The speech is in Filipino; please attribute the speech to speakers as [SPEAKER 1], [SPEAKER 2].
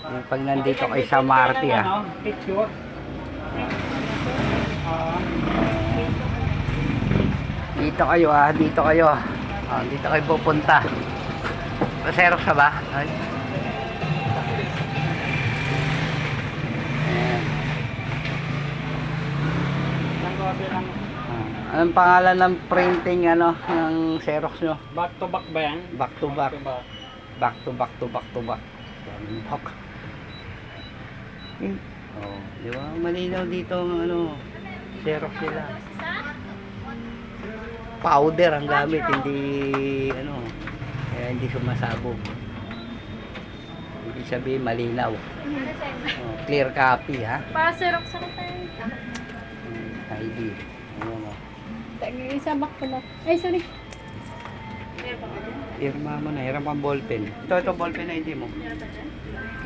[SPEAKER 1] Yung pag nandito kay sa Marty, ah.
[SPEAKER 2] Picture.
[SPEAKER 1] Dito kayo, ah. Dito kayo. Ah, dito kayo pupunta. Xerox ka ba? Ay. Ayan. Anong pangalan ng printing ano ng Xerox nyo?
[SPEAKER 2] Back to back ba yan?
[SPEAKER 1] Back to back. Back to back to back to back. Back. Oh, di ba? Malinaw dito ang ano, Xerox nila. Powder ang gamit, hindi ano, kaya hindi sumasabog. Ibig sabihin malinaw. Oh, clear copy, ha?
[SPEAKER 3] Para Xerox sa tayo.
[SPEAKER 1] ID. Ayan, oh.
[SPEAKER 3] Isa back pala. Ay, sorry.
[SPEAKER 1] Irma mo na, hirap ang ballpen. Ito ballpen na hindi mo.